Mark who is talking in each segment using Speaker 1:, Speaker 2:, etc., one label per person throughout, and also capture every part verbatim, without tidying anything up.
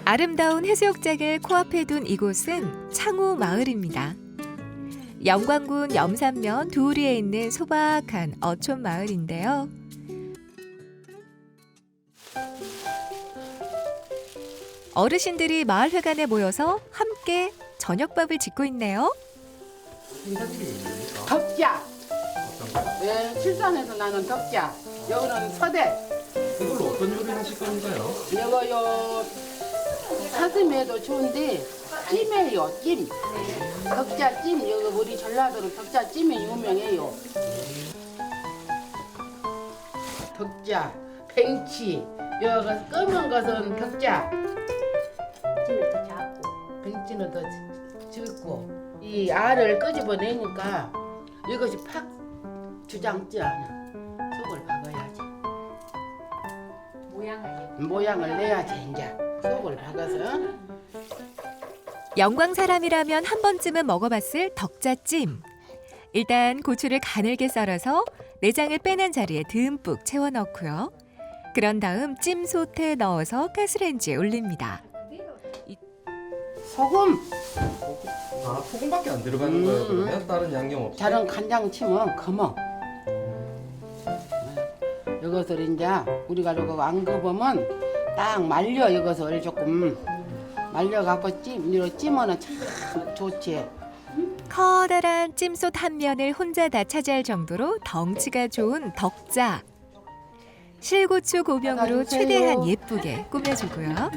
Speaker 1: 아름다운 해수욕장을 코앞에 둔 이곳은 창우 마을입니다. 영광군 염산면 두우리에 있는 소박한 어촌 마을인데요. 어르신들이 마을회관에 모여서 함께 저녁밥을 짓고 있네요.
Speaker 2: 덕자. 네, 칠산에서 나는 덕자. 여기는 서대.
Speaker 3: 이걸로 어떤 요리를 하실 건가요?
Speaker 2: 이거요 사슴에도 좋은데 찜이에요, 찜. 덕자 찜. 여기 우리 전라도는 덕자 찜이 유명해요. 덕자, 뱅치. 여기 검은 것은 덕자. 찜이 더 작고. 뱅치는 더 적고. 이 알을 끄집어내니까 이것이 팍 주장지 않아. 속을 박아야지.
Speaker 4: 모양을
Speaker 2: 모양을 내야지 이제. 속을 박아서.
Speaker 1: 영광 사람이라면 한 번쯤은 먹어봤을 덕자찜. 일단 고추를 가늘게 썰어서 내장을 빼낸 자리에 듬뿍 채워 넣고요. 그런 다음 찜솥에 넣어서 가스레인지에 올립니다.
Speaker 2: 소금.
Speaker 3: 아, 소금밖에 안 들어가는
Speaker 2: 음.
Speaker 3: 거예요, 그러면? 다른 양념 없이?
Speaker 2: 다른 간장 치면 검어. 이것을 이제 우리가 이거 안 겁으면 딱 말려. 이것을 조금 말려갖고 찜, 이로 찜으면 참 좋지.
Speaker 1: 커다란 찜솥 한 면을 혼자 다 차지할 정도로 덩치가 좋은 덕자. 실고추 고명으로 최대한 예쁘게 꾸며주고요.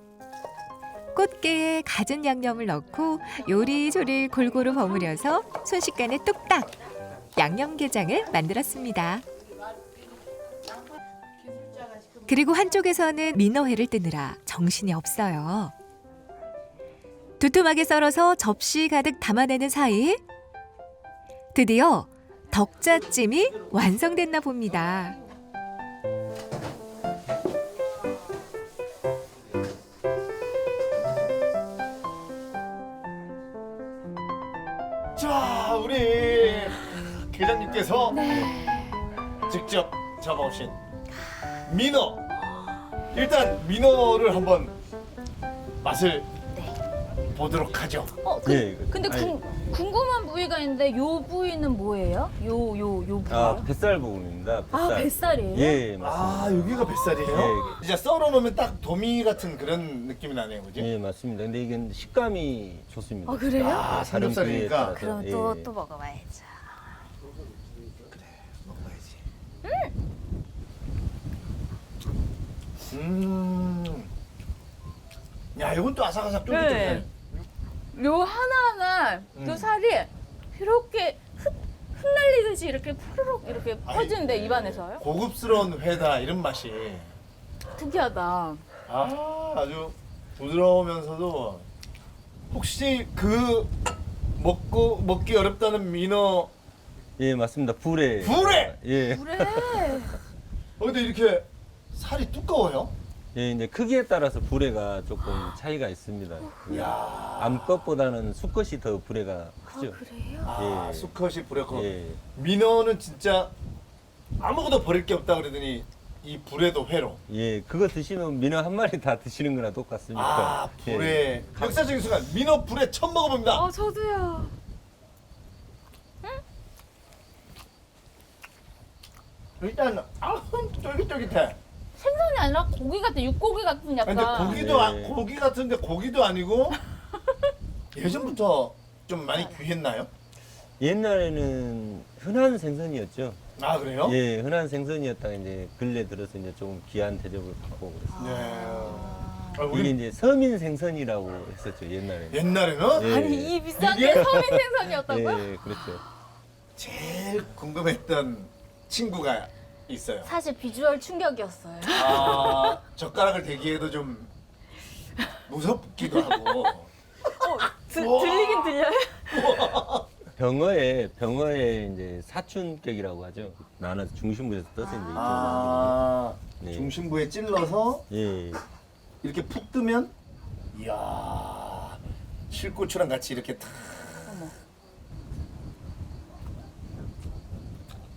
Speaker 1: 꽃게에 갖은 양념을 넣고 요리조리 골고루 버무려서 순식간에 뚝딱 양념게장을 만들었습니다. 그리고 한쪽에서는 민어회를 뜨느라 정신이 없어요. 두툼하게 썰어서 접시 가득 담아내는 사이 드디어 덕자찜이 완성됐나 봅니다.
Speaker 5: 자, 우리 계장님께서 직접 잡아오신 민어. 일단 민어를 한번 맛을 보도록 하죠.
Speaker 4: 어, 그,
Speaker 3: 예, 그-
Speaker 4: 근데 궁, 궁금한 부위가 있는데 요 부위는 뭐예요? 요 요 요 부위.
Speaker 3: 아, 뱃살 부분입니다. 뱃살.
Speaker 4: 아, 뱃살이에요?
Speaker 3: 예, 맞습니다.
Speaker 5: 아, 여기가 뱃살이에요?
Speaker 3: 예.
Speaker 5: 이제 썰어 놓으면 딱 도미 같은 그런 느낌이 나네요, 그지?
Speaker 3: 예, 맞습니다. 근데 이게 식감이 좋습니다.
Speaker 4: 아, 그래요?
Speaker 5: 아,
Speaker 3: 다른 부위에
Speaker 5: 삼겹살이니까.
Speaker 3: 따라서.
Speaker 4: 그럼
Speaker 3: 예.
Speaker 4: 또 또 먹어봐야죠.
Speaker 5: 먹어야지. 음. 야, 이건 또 아삭아삭 쫄깃쫄깃해.
Speaker 4: 네. 요 하나하나 요
Speaker 5: 음.
Speaker 4: 살이 이렇게 흩, 흩날리듯이 이렇게 푸르륵 이렇게 퍼지는데
Speaker 5: 아이,
Speaker 4: 입안에서요?
Speaker 5: 고급스러운 회다 이런 맛이.
Speaker 4: 특이하다.
Speaker 5: 아, 아주 부드러우면서도 혹시 그 먹고 먹기 어렵다는 민어
Speaker 3: 예, 맞습니다. 불에.
Speaker 5: 불에!
Speaker 3: 예.
Speaker 4: 그래.
Speaker 5: 어, 근데 이렇게 살이 두꺼워요?
Speaker 3: 예, 이제 크기에 따라서 불에가 조금 차이가 있습니다. 그
Speaker 5: 이야.
Speaker 3: 암컷보다는 수컷이 더 불에가 크죠.
Speaker 4: 그래요?
Speaker 5: 아,
Speaker 3: 예.
Speaker 5: 수컷이 불에 커.
Speaker 3: 예.
Speaker 5: 민어는 진짜 아무것도 버릴 게 없다 그러더니 이 불에도 회로.
Speaker 3: 예, 그거 드시면 민어 한 마리 다 드시는 거나 똑같습니다.
Speaker 5: 아,
Speaker 3: 예.
Speaker 5: 불에. 역사적인 순간 민어 불에 처음 먹어봅니다.
Speaker 4: 어, 저도요.
Speaker 5: 일단 아, 쫄깃쫄깃해.
Speaker 4: 생선이 아니라 고기 같은 육고기 같은 약간.
Speaker 5: 근데 고기도 아,
Speaker 3: 네.
Speaker 5: 고기 같은데 고기도 아니고 예전부터 좀 많이 귀했나요?
Speaker 3: 옛날에는 흔한 생선이었죠.
Speaker 5: 아, 그래요?
Speaker 3: 예, 흔한 생선이었다가 이제 근래 들어서 이제 조금 귀한 대접을 받고 그랬어요.
Speaker 5: 네. 아,
Speaker 3: 이게
Speaker 5: 우리
Speaker 3: 이제 서민 생선이라고 했었죠, 옛날에.
Speaker 5: 옛날에는
Speaker 3: 예.
Speaker 4: 아니 이 비싼
Speaker 5: 이게?
Speaker 4: 게 서민 생선이었다고요?
Speaker 3: 예, 그렇죠.
Speaker 5: 제일 궁금했던 친구가 있어요.
Speaker 4: 사실 비주얼 충격이었어요.
Speaker 5: 아, 젓가락을 대기해도 좀 무섭기도 하고.
Speaker 4: 드,
Speaker 5: 우와.
Speaker 4: 들리긴 들려요?
Speaker 3: 병어에 병어에 이제 사춘격이라고 하죠. 나눠서 중심부에서 떠서 이제 이쪽으로
Speaker 5: 아,
Speaker 3: 네.
Speaker 5: 중심부에 찔러서
Speaker 3: 만드는. 예.
Speaker 5: 이렇게 푹 뜨면, 이야, 실고추랑 같이 이렇게 탁.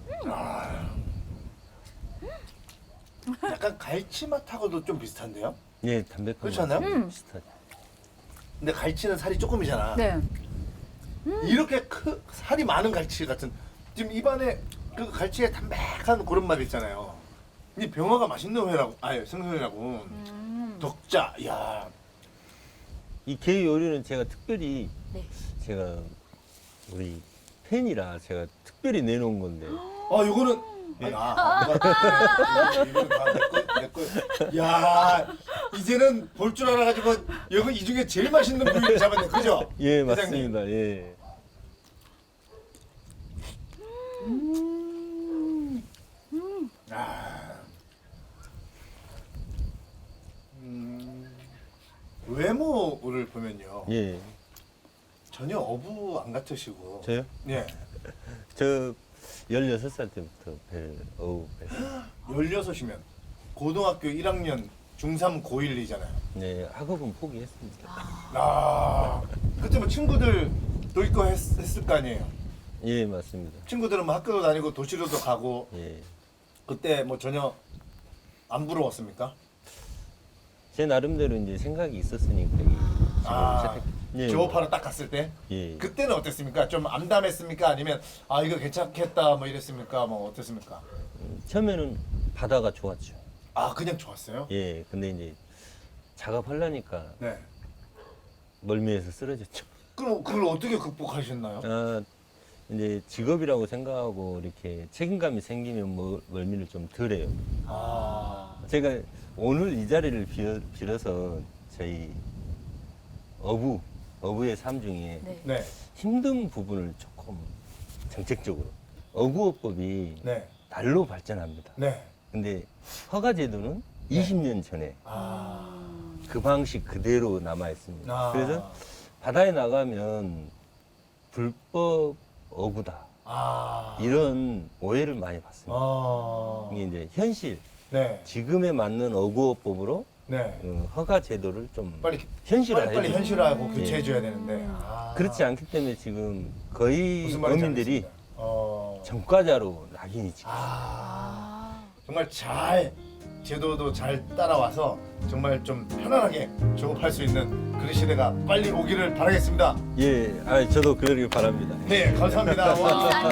Speaker 5: 아. 약간 갈치 맛하고도 좀 비슷한데요?
Speaker 3: 예, 담백한
Speaker 5: 그렇지 않나요?
Speaker 3: 맛이
Speaker 4: 음.
Speaker 3: 비슷하죠.
Speaker 5: 근데 갈치는 살이 조금이잖아.
Speaker 4: 네.
Speaker 5: 이렇게 크, 살이 많은 갈치 같은 지금 입안에 그 갈치의 담백한 그런 맛 있잖아요. 이 병어가 맛있는 회라고, 아니 생선이라고.
Speaker 4: 음.
Speaker 5: 덕자, 야,
Speaker 3: 이 게 요리는 제가 특별히
Speaker 4: 네.
Speaker 3: 제가 우리 팬이라 제가 특별히 내놓은 건데
Speaker 5: 아 이거는 아니, 아, 아, 내가- 이거는 다내 거, 내 거. 야, 이제는 볼 줄 알아가지고 여기 이 중에 제일 맛있는 부위를 잡았네, 그죠?
Speaker 3: 예,
Speaker 5: 회장님.
Speaker 3: 맞습니다. 예.
Speaker 5: 아, 음, 외모를 보면요,
Speaker 3: 예.
Speaker 5: 전혀 어부 안 같으시고.
Speaker 3: 저요?
Speaker 5: 예.
Speaker 3: 저 열여섯 살 때부터 배 어우 배.
Speaker 5: 열여섯이면 고등학교 일 학년 중삼 고일이잖아요.
Speaker 3: 네, 학업은 포기했습니다.
Speaker 5: 아, 그때 뭐 친구들도 있고 했, 했을 거 아니에요.
Speaker 3: 예, 맞습니다.
Speaker 5: 친구들은 뭐 학교도 다니고 도시로도 가고
Speaker 3: 예.
Speaker 5: 그때 뭐 전혀 안 부러웠습니까?
Speaker 3: 제 나름대로 이제 생각이 있었으니까 이 직업을
Speaker 5: 아,
Speaker 3: 시작했. 예.
Speaker 5: 조업하러 딱 갔을 때
Speaker 3: 예.
Speaker 5: 그때는 어땠습니까? 좀 암담했습니까? 아니면 아 이거 괜찮겠다 뭐 이랬습니까? 뭐 어땠습니까?
Speaker 3: 음, 처음에는 바다가 좋았죠.
Speaker 5: 아 그냥 좋았어요?
Speaker 3: 예. 근데 이제 작업하려니까
Speaker 5: 네.
Speaker 3: 멀미에서 쓰러졌죠.
Speaker 5: 그럼 그걸 어떻게 극복하셨나요?
Speaker 3: 아, 이제 직업이라고 생각하고 이렇게 책임감이 생기면 뭐 멀미를 좀 덜해요.
Speaker 5: 아,
Speaker 3: 제가 오늘 이 자리를 빌어, 빌어서 저희 어부, 어부의 삶 중에
Speaker 4: 네.
Speaker 5: 네,
Speaker 3: 힘든 부분을 조금 정책적으로 어구어법이
Speaker 5: 네,
Speaker 3: 날로 발전합니다.
Speaker 5: 네.
Speaker 3: 근데 허가제도는 이십 년 전에
Speaker 5: 아,
Speaker 3: 그 방식 그대로 남아 있습니다.
Speaker 5: 아.
Speaker 3: 그래서 바다에 나가면 불법 어구다
Speaker 5: 아,
Speaker 3: 이런 오해를 많이 받습니다.
Speaker 5: 아,
Speaker 3: 이게 이제 현실
Speaker 5: 네,
Speaker 3: 지금에 맞는 어구어법으로
Speaker 5: 네.
Speaker 3: 어, 허가 제도를 좀
Speaker 5: 빨리
Speaker 3: 현실화해야
Speaker 5: 빨리 빨리
Speaker 3: 돼요.
Speaker 5: 현실화하고
Speaker 3: 예.
Speaker 5: 교체해줘야 되는데. 아.
Speaker 3: 그렇지 않기 때문에 지금 거의
Speaker 5: 무슨 말인지
Speaker 3: 어민들이
Speaker 5: 알겠습니다. 어.
Speaker 3: 전과자로 낙인이 찍혀요.
Speaker 5: 아,
Speaker 4: 아.
Speaker 5: 정말 잘 제도도 잘 따라와서 정말 좀 편안하게 조업할 수 있는 그런 시대가 빨리 오기를 바라겠습니다.
Speaker 3: 예, 아, 저도 그러길 바랍니다.
Speaker 5: 네, 감사합니다. 와.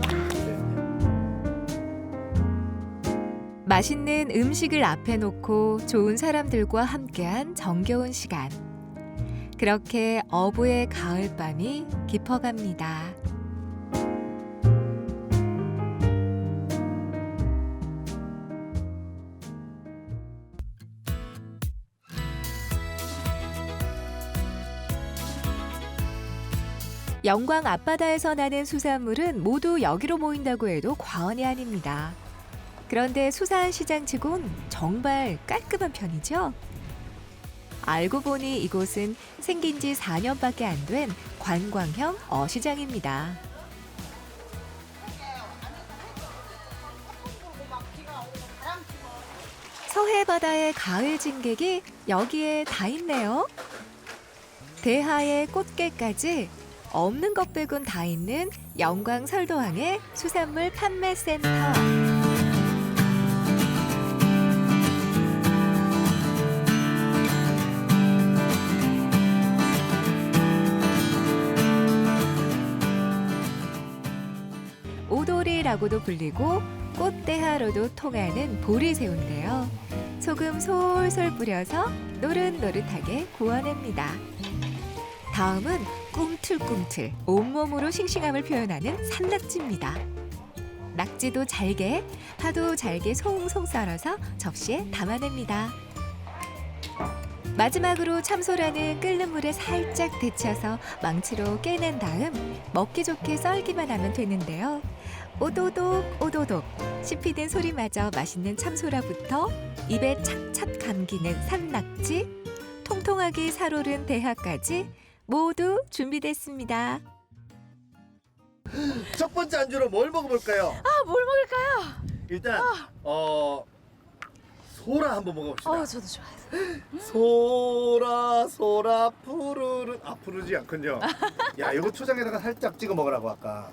Speaker 1: 맛있는 음식을 앞에 놓고 좋은 사람들과 함께한 정겨운 시간. 그렇게 어부의 가을밤이 깊어갑니다. 영광 앞바다에서 나는 수산물은 모두 여기로 모인다고 해도 과언이 아닙니다. 그런데 수산 시장치곤 정말 깔끔한 편이죠. 알고 보니 이곳은 생긴 지 사 년밖에 안 된 관광형 어시장입니다. 서해 바다의 가을 진객이 여기에 다 있네요. 대하의 꽃게까지 없는 것 빼곤 다 있는 영광 설도항의 수산물 판매센터. 오돌이라고도 불리고 꽃대하로도 통하는 보리새우인데요. 소금 솔솔 뿌려서 노릇노릇하게 구워냅니다. 다음은 꿈틀꿈틀 온몸으로 싱싱함을 표현하는 산낙지입니다. 낙지도 잘게, 파도 잘게 송송 썰어서 접시에 담아냅니다. 마지막으로 참소라는 끓는 물에 살짝 데쳐서 망치로 깨낸 다음 먹기 좋게 썰기만 하면 되는데요. 오도독 오도독 씹히는 소리마저 맛있는 참소라부터 입에 착착 감기는 산낙지, 통통하게 살오른 대하까지 모두 준비됐습니다.
Speaker 5: 첫 번째 안주로 뭘 먹어볼까요?
Speaker 4: 아, 뭘 먹을까요?
Speaker 5: 일단 어 소라 한번 먹어봅시다.
Speaker 4: 어, 저도 좋아해요.
Speaker 5: 소라 소라 푸르른 아 푸르지 않군요. 야 이거 초장에다가 살짝 찍어 먹으라고 아까.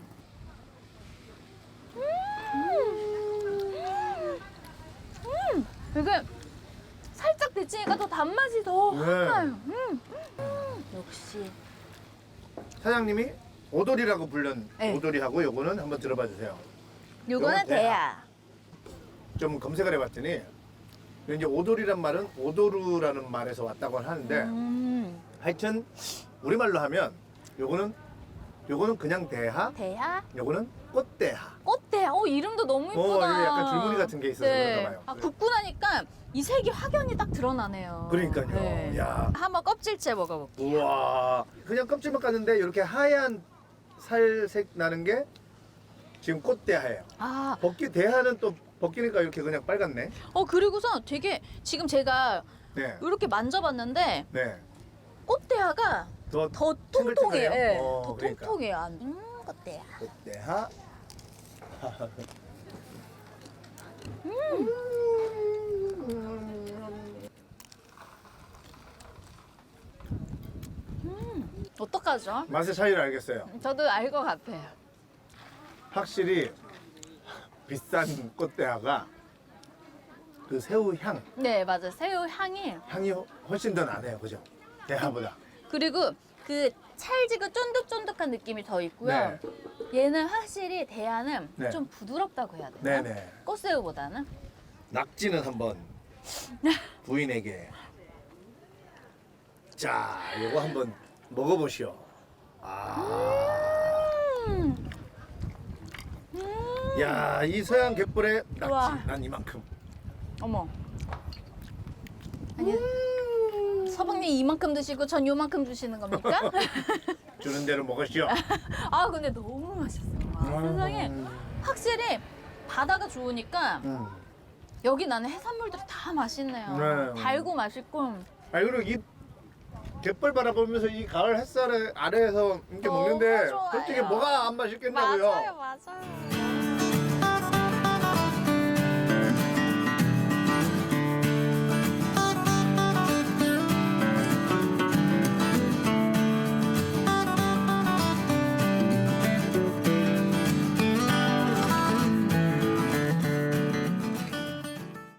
Speaker 4: 이게 살짝 데치니까 더 단맛이 더
Speaker 5: 네.
Speaker 4: 확 나요. 음. 음. 역시.
Speaker 5: 사장님이 오돌이라고 불른
Speaker 4: 네.
Speaker 5: 오돌이하고 요거는 한번 들어봐 주세요.
Speaker 4: 요거는
Speaker 5: 요건 대하.
Speaker 4: 대야.
Speaker 5: 좀 검색을 해봤더니 이제 오돌이란 말은 오도루라는 말에서 왔다고 하는데
Speaker 4: 음.
Speaker 5: 하여튼 우리말로 하면 요거는 요거는 그냥 대하,
Speaker 4: 대야?
Speaker 5: 요거는 꽃대하.
Speaker 4: 꽃대야. 어, 이름도 너무
Speaker 5: 어,
Speaker 4: 이쁘다.
Speaker 5: 이게 약간 줄무늬 같은 게 있어서 그런가 봐요.
Speaker 4: 아,
Speaker 5: 네.
Speaker 4: 굽고 나니까 이 색이 확연히 딱 드러나네요.
Speaker 5: 그러니까요.
Speaker 4: 네.
Speaker 5: 야.
Speaker 4: 한번 껍질째 먹어볼게요.
Speaker 5: 우와. 그냥 껍질만 깠는데 이렇게 하얀 살색 나는 게 지금 꽃대하예요.
Speaker 4: 아,
Speaker 5: 벗기 대하는 또 벗기니까 이렇게 그냥 빨갛네.
Speaker 4: 어, 그리고서 되게 지금 제가
Speaker 5: 네.
Speaker 4: 이렇게 만져봤는데
Speaker 5: 네.
Speaker 4: 꽃대야가
Speaker 5: 더,
Speaker 4: 더 통통해요.
Speaker 5: 탱글탱글해요?
Speaker 4: 예,
Speaker 5: 어,
Speaker 4: 더
Speaker 5: 그러니까.
Speaker 4: 통통해요. 음, 꽃대야.
Speaker 5: 꽃대하.
Speaker 4: 어떡하죠?
Speaker 5: 맛의 차이를 알겠어요.
Speaker 4: 저도 알 것 같아요.
Speaker 5: 확실히 비싼 꽃대하가 그 새우 향,
Speaker 4: 네, 맞아요. 새우 향이.
Speaker 5: 향이 훨씬 더 나네요. 그죠? 대하보다.
Speaker 4: 그리고 그 찰지고 쫀득쫀득한 느낌이 더 있고요. 얘는 확실히 대야는
Speaker 5: 네.
Speaker 4: 좀 부드럽다고 해야 되나?
Speaker 5: 네네.
Speaker 4: 꽃새우보다는.
Speaker 5: 낙지는 한번 부인에게 자, 요거 한번 먹어보시오. 아,
Speaker 4: 음.
Speaker 5: 야, 이 서양 갯벌의 낙지
Speaker 4: 우와.
Speaker 5: 난 이만큼.
Speaker 4: 어머. 아니, 서방님 이만큼 드시고 전 요만큼 주시는 겁니까?
Speaker 5: 주는 대로 먹으시오.
Speaker 4: 아, 근데 너무 맛있어요. 아, 세상에. 확실히 바다가 좋으니까
Speaker 5: 음.
Speaker 4: 여기 나는 해산물들이 다 맛있네요.
Speaker 5: 네.
Speaker 4: 달고 맛있고.
Speaker 5: 아, 그리고 이 갯벌 바라보면서 이 가을 햇살 아래에서 이렇게
Speaker 4: 너무
Speaker 5: 먹는데
Speaker 4: 좋아요.
Speaker 5: 솔직히 뭐가 안 맛있겠냐고요.
Speaker 4: 맞아요, 맞아요.